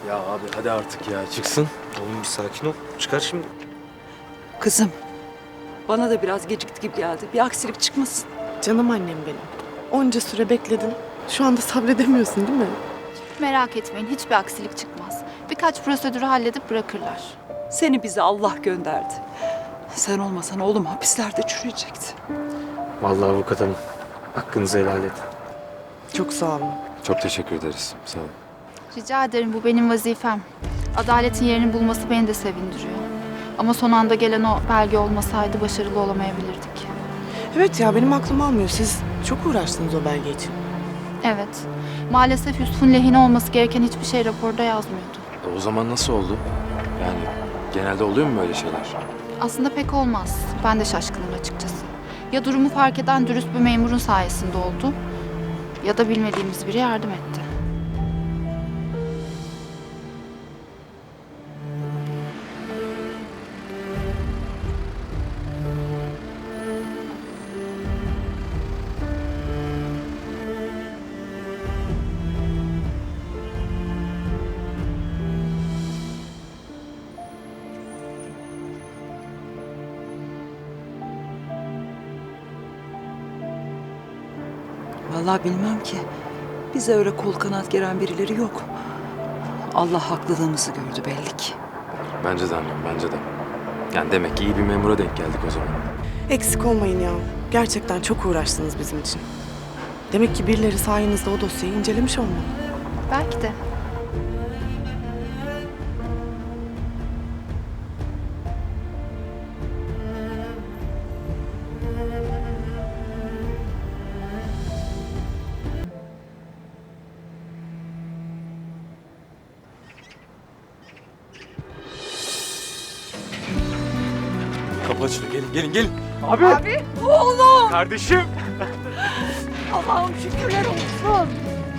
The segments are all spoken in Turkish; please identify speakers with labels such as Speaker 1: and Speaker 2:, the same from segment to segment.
Speaker 1: Ya abi hadi artık ya çıksın.
Speaker 2: Oğlum bir sakin ol. Çıkar şimdi.
Speaker 3: Kızım, bana da biraz gecikti gibi geldi. Bir aksilik çıkmasın.
Speaker 4: Canım annem benim. Onca süre bekledin. Şu anda sabredemiyorsun değil mi?
Speaker 5: Merak etmeyin, hiçbir aksilik çıkmaz. Birkaç prosedürü halledip bırakırlar.
Speaker 3: Seni bize Allah gönderdi. Sen olmasan oğlum hapislerde çürüyecekti.
Speaker 2: Vallahi avukat hanım. Hakkınızı helal edin.
Speaker 4: Çok sağ olun.
Speaker 1: Çok teşekkür ederiz. Sağ ol.
Speaker 5: Rica ederim, bu benim vazifem. Adaletin yerini bulması beni de sevindiriyor. Ama son anda gelen o belge olmasaydı başarılı olamayabilirdik.
Speaker 4: Evet ya benim aklım almıyor. Siz çok uğraştınız o belge için.
Speaker 5: Evet, maalesef Yusuf'un lehine olması gereken hiçbir şey raporda yazmıyordu.
Speaker 1: O zaman nasıl oldu? Yani genelde oluyor mu böyle şeyler?
Speaker 5: Aslında pek olmaz. Ben de şaşkınım açıkçası. Ya durumu fark eden dürüst bir memurun sayesinde oldu, ya da bilmediğimiz biri yardım etti.
Speaker 3: Vallahi bilmem ki. Bize öyle kol kanat geren birileri yok. Allah haklılığımızı gördü belli ki.
Speaker 1: Bence de annem, bence de. Yani demek ki iyi bir memura denk geldik o zaman.
Speaker 4: Eksik olmayın ya. Gerçekten çok uğraştınız bizim için. Demek ki birileri sayenizde o dosyayı incelemiş olmalı.
Speaker 5: Belki de.
Speaker 1: Kapı açılıyor. Gelin, gelin.
Speaker 3: Abi, oğlum!
Speaker 1: Kardeşim.
Speaker 3: Allah'ım şükürler olsun.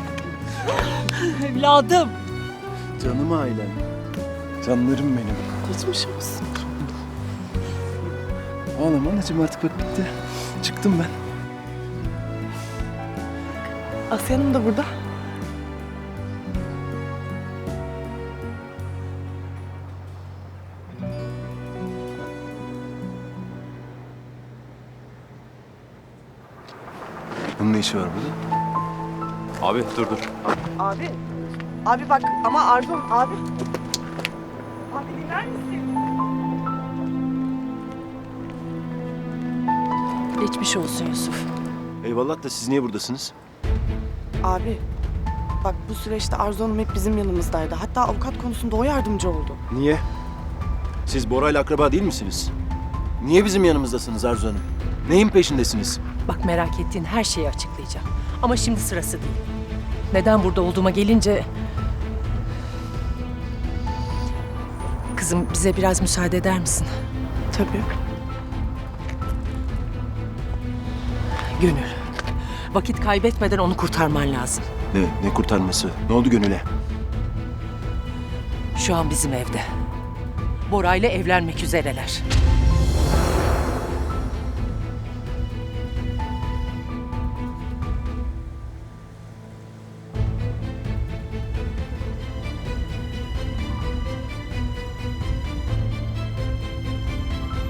Speaker 3: Evladım.
Speaker 6: Canım ailem. Canlarım benim.
Speaker 4: Geçmiş olsun.
Speaker 6: Ağlama anacığım artık bak bitti. Çıktım ben.
Speaker 4: Asya Hanım da burada.
Speaker 6: Bunun ne işi var burada?
Speaker 1: Abi dur.
Speaker 4: Abi. Abi bak ama Arzu abi. Abi dinler misin?
Speaker 7: Geçmiş olsun Yusuf.
Speaker 6: Eyvallah da siz niye buradasınız?
Speaker 4: Abi. Bak bu süreçte Arzu Hanım hep bizim yanımızdaydı. Hatta avukat konusunda o yardımcı oldu.
Speaker 6: Niye? Siz Bora'yla akraba değil misiniz? Niye bizim yanımızdasınız Arzu Hanım? Neyin peşindesiniz?
Speaker 7: Bak merak ettiğin her şeyi açıklayacağım. Ama şimdi sırası değil. Neden burada olduğuma gelince... Kızım bize biraz müsaade eder misin?
Speaker 4: Tabii.
Speaker 7: Gönül. Vakit kaybetmeden onu kurtarman lazım.
Speaker 6: Ne kurtarması? Ne oldu Gönül'e?
Speaker 7: Şu an bizim evde. Bora ile evlenmek üzereler.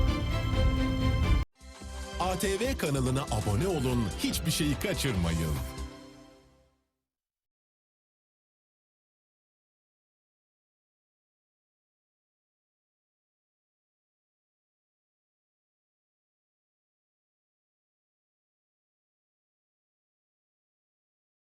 Speaker 8: ATV kanalına abone olun, hiçbir şeyi kaçırmayın.